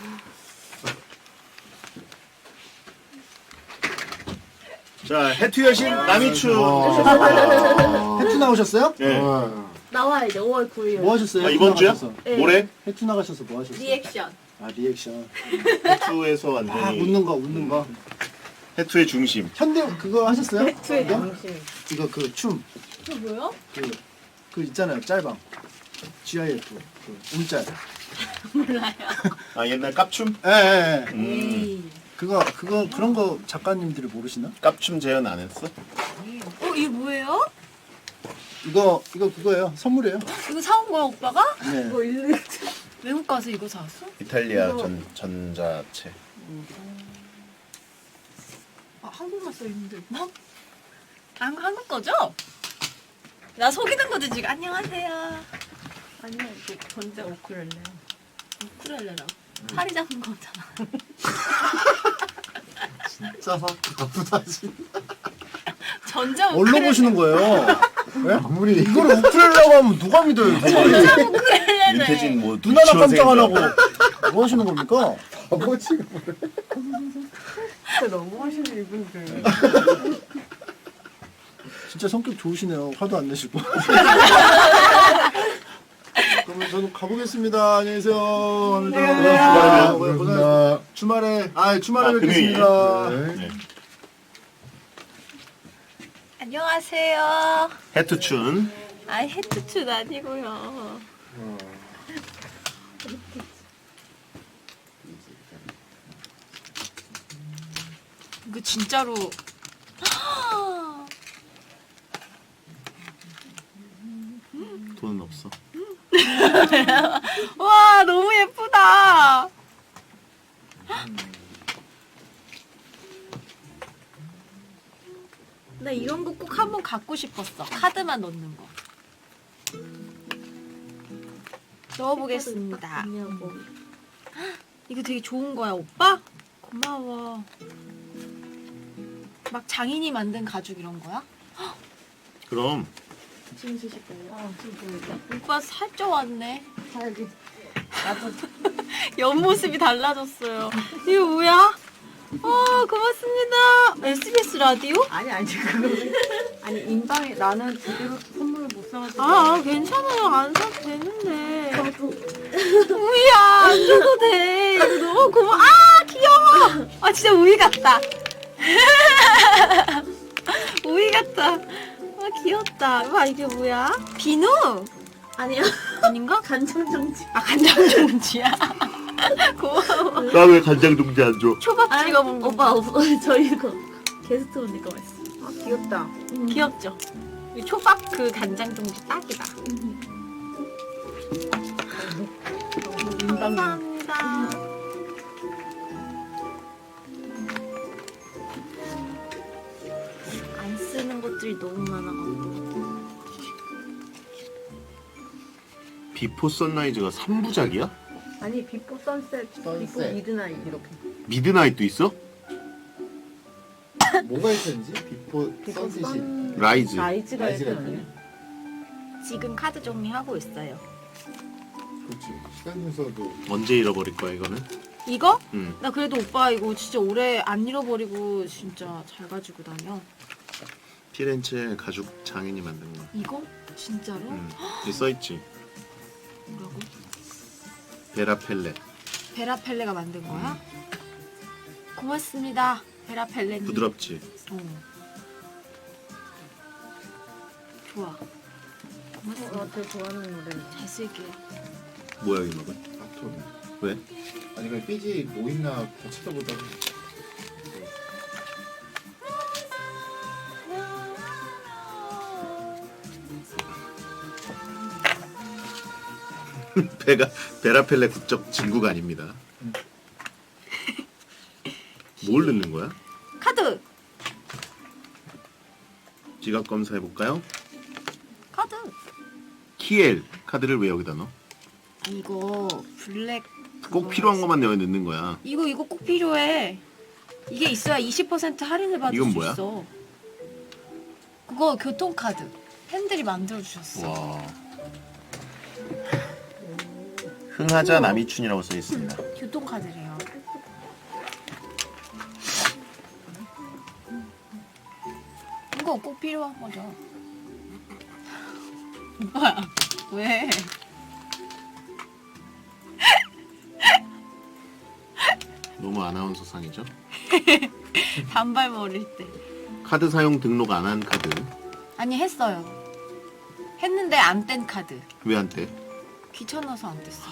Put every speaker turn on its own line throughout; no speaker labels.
자, 해투 여신 남이춘.
해투 나오셨어요?
네.
나와야 돼. 5월 9일.
뭐 하셨어요?
아, 이번 주야?
네.
모레?
해투 나가셔서 뭐 하셨어요?
리액션.
아 리액션.
해투에서
아
완전히
웃는 거.
해투의 중심.
현대 그거 하셨어요?
해투의
이거?
중심.
이거 그 춤.
그 뭐요?
그 있잖아요 짤방. GIF 그 움짤.
몰라요.
아, 옛날 깝춤?
예.
에이.
그거 그런 거 작가님들이 모르시나?
깝춤 재현 안 했어?
이게 뭐예요?
이거 그거예요. 선물이에요.
이거 사온 거야 오빠가?
네.
외국 가서 이거 사왔어?
이탈리아
이거-
전자체.
아 한국말 써 있는데 뭐? 한국 거죠? 나 속이는 거지 지금. 안녕하세요. 아니야 이거 전자 우쿨렐레야. 우쿨렐레라. 팔이 잡은 거잖아.
진짜 나쁘다 진짜.
전자
뭘로
우쿨렐레.
보시는 거예요? 네? 아무리 이거를 우쿨렐라고 하면 누가 믿어요?
전자 우쿨렐레네.
윤태진 뭐
눈 하나 깜짝 안
유치원생인가?
하고 뭐 하시는 겁니까?
아버지가
진짜 너무 하시네 이분들.
진짜 성격 좋으시네요. 화도 안 내시고. 그러면 저는 가보겠습니다. 안녕히 계세요.
고맙습니다.
고생하셨습니다. 주말에 주말에
금요일.
뵙겠습니다.
네.
안녕하세요.
해투춘.
아 헤트춘 아니고요. 이거 진짜로
돈은 없어.
와 너무 예쁘다. 나 이런 거 꼭 한번 갖고 싶었어. 카드만 넣는 거. 넣어보겠습니다. 이거 되게 좋은 거야, 오빠? 고마워. 막 장인이 만든 가죽 이런 거야?
그럼
지금 쓰실 거예요? 지금 보니까. 오빠 살쪄 왔네.
자기
옆모습이 달라졌어요. 이거 뭐야? 고맙습니다. SBS 라디오?
아니 그거 아니 인방에 나는 제대로 선물을 못 사가지고.
괜찮아요. 안 사도 되는데. 우이야, 안 줘도 돼. 이거 너무 고마워. 귀여워. 진짜 우이 같다. 우이 같다. 귀엽다. 와, 이게 뭐야? 비누?
아니요.
아닌가?
간장정지.
간장종지야. 고마워.
나 왜 간장 동지 안 줘?
초밥 찍어 먹는
오빠 저 이거 게스트 오니까 맛있어.
귀엽다.
귀엽죠? 이 초밥 그 간장종지 딱이다. 감사합니다. 안 쓰는 것들이 너무 많아가지고.
비포 선라이즈가 3부작이야?
아니 비포 선셋, 비포
선셋.
미드나잇 이렇게.
미드나잇도 있어?
뭐가 있었는지 비포 선셋이
라이즈.
라이즈가
라이즈가
있잖아요.
있네.
지금 카드 정리하고 있어요.
그렇지 시간 순서도
언제 잃어버릴 거야 이거는?
이거?
응.
나 그래도 오빠 이거 진짜 오래 안 잃어버리고 진짜 잘 가지고 다녀.
피렌체 가죽 장인이 만든 거.
이거? 진짜로?
응. 여기 써 있지.
뭐라고?
베라펠레.
베라펠레가 만든 거야? 고맙습니다. 베라펠레님.
부드럽지.
좋아. 고맙습니다.
되게 좋아하는 노래.
잘 쓸게요.
뭐야 이 음악은?
아톰
왜?
아니 그 삐지 뭐 있나 다 찾아보다가
베라펠레 국적 진구가 아닙니다. 뭘 넣는 거야?
카드!
지갑 검사해 볼까요?
카드!
키엘 카드를 왜 여기다 넣어?
이거 블랙
꼭 필요한 것만 내가 넣는 거야.
이거 꼭 필요해. 이게 있어야 20% 할인을 받을
이건
수
뭐야?
있어. 그거 교통카드. 팬들이 만들어 주셨어.
와. 흥하자 남이춘이라고 써 있습니다.
교통카드래요. 이거 꼭 필요한 거죠. 오빠야, 왜?
너무 아나운서상이죠?
단발머리일 때.
카드 사용 등록 안 한 카드.
아니, 했어요. 했는데 안 뗀 카드.
왜 안 떼?
귀찮아서 안 뗐어.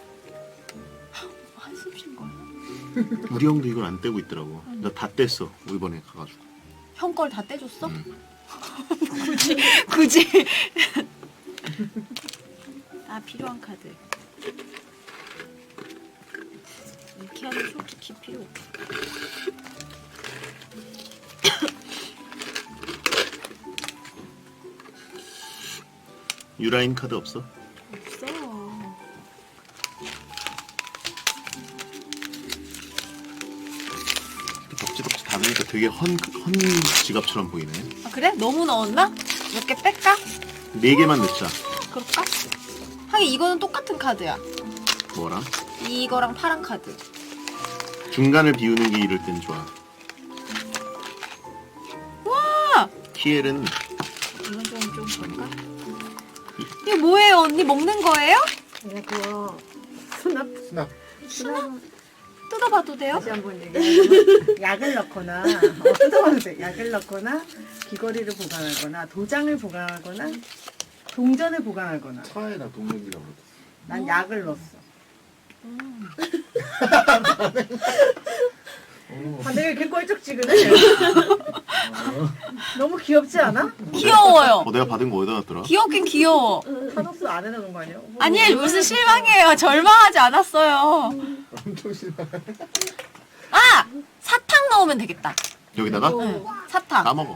한숨 쉰 거야?
우리 형도 이걸 안 떼고 있더라고. 나 다 뗐어. 이번에 가가지고.
형 걸 다 떼줬어?
응.
굳이. 아, 필요한 카드. 이렇게 하면 솔직히 필요 없어.
유라인 카드 없어?
없어.
덕지덕지 닫으니까 되게 헌 지갑처럼 보이네.
아, 그래? 너무 넣었나? 몇 개 뺄까?
4개만 넣자.
그럴까? 하긴 이거는 똑같은 카드야.
뭐라?
이거랑 파란 카드.
중간을 비우는 게 이럴 땐 좋아.
와!
키엘은
이건 좀 그런가? 이거 뭐예요? 언니 먹는 거예요?
그냥 그거 수납
수납.
뜯어봐도 돼요?
다시 한번 얘기하면 약을 넣거나 뜯어봐도 돼. 약을 넣거나 귀걸이를 보관하거나 도장을 보관하거나 동전을 보관하거나.
차에다 동력이가 묻었어.
난 약을 넣었어. 다들 이렇게 꼴쩍지근해. 너무 귀엽지 않아?
귀여워요.
내가 받은 거 어디다 놨더라?
귀엽긴 귀여워.
타노스 안에 넣은 거 아니야?
아니, 무슨 실망이에요. 절망하지 않았어요.
엄청 싫어.
아! 사탕 넣으면 되겠다.
여기다가?
응, 사탕.
까먹어.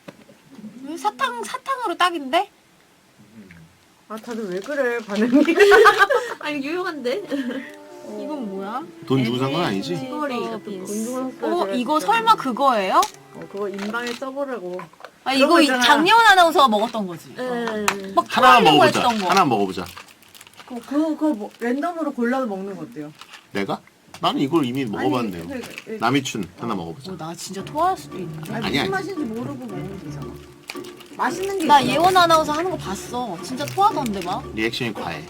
사탕으로 딱인데?
아 다들 왜 그래 반응이?
아니 유용한데?
이건 뭐야?
돈 주고 산 건 아니지?
귀걸이 같은 거.
어, 이거 설마 그거예요?
그거 인방에 써보라고.
아,
그런
이거
거 있잖아.
장예원 아나운서가 먹었던 거지.
네.
막
하나만
토하려고
먹어보자.
했던 거.
하나만 먹어보자.
그거 뭐, 랜덤으로 골라서 먹는 거 어때요?
내가? 나는 이걸 이미 먹어봤는데요.
아니,
남이춘 하나 먹어보자.
나 진짜 토할 수도 있는데.
아니,
아니야.
무슨 맛인지 모르고 먹으면 되잖아. 맛있는 게
나
있어.
예원 아나운서 하는 거 봤어. 진짜 토하던데 막.
리액션이 과해.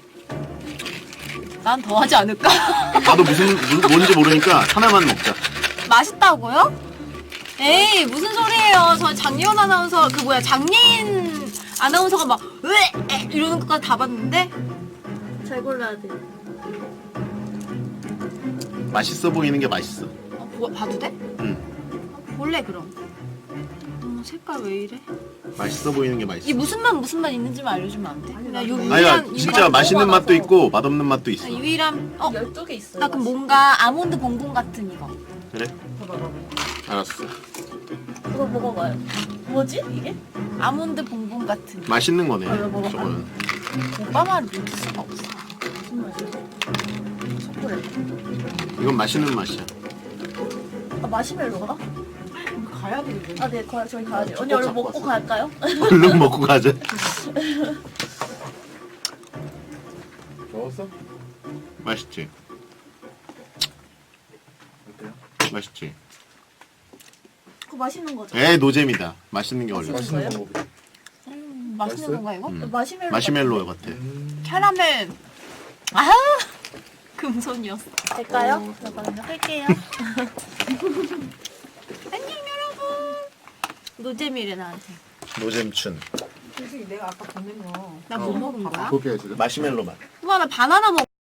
난 더 하지 않을까?
나도 뭔지 모르니까 하나만 먹자.
맛있다고요? 에이, 무슨 소리예요. 저 장예원 아나운서 장예인 아나운서가 막 으에 이러는 것까지 다 봤는데.
잘 골라야 돼.
맛있어 보이는 게 맛있어.
봐도 돼?
응.
볼래 그럼. 색깔 왜 이래?
맛있어 보이는 게 맛있어.
이 무슨 맛 있는지만 알려주면 안 돼? 그냥 요
아니야,
유일한
진짜 맛있는 맛도 있고 맛없는 맛도 있어.
유일한
12개 있어요.
나 그럼 뭔가 아몬드 봉봉 같은 이거.
그래? 알았어.
그거 먹어봐요. 뭐지 이게?
아몬드 봉봉 같은.
맛있는 거네.
먹어봐.
저거는.
오빠 말을 믿을 수가 없어.
무슨 맛이야? 초콜릿.
이건 맛있는 맛이야.
아 마시멜로가?
가야 되는데.
아 네, 저희 가야죠. 언니 얼른 먹고 갈까요?
얼른 먹고 가자.
먹었어?
맛있지?
어때요?
맛있지?
그거 맛있는 거죠?
에이 노잼이다. 맛있는 게 원래.
맛있는
거예요?
거 먹어보자.
맛있는
맛있어요?
건가 이거?
마시멜로.
마시멜로 같아.
캐러멜. 아 금손이었어.
될까요? 잠깐만요. 할게요.
안녕 여러분. 노잼이래 나한테.
노잼춘.
솔직히 내가 아까 보낸 거.
나 뭐 먹은 거야?
볼게요 지금.
마시멜로 맛.
우와 나 바나나 먹.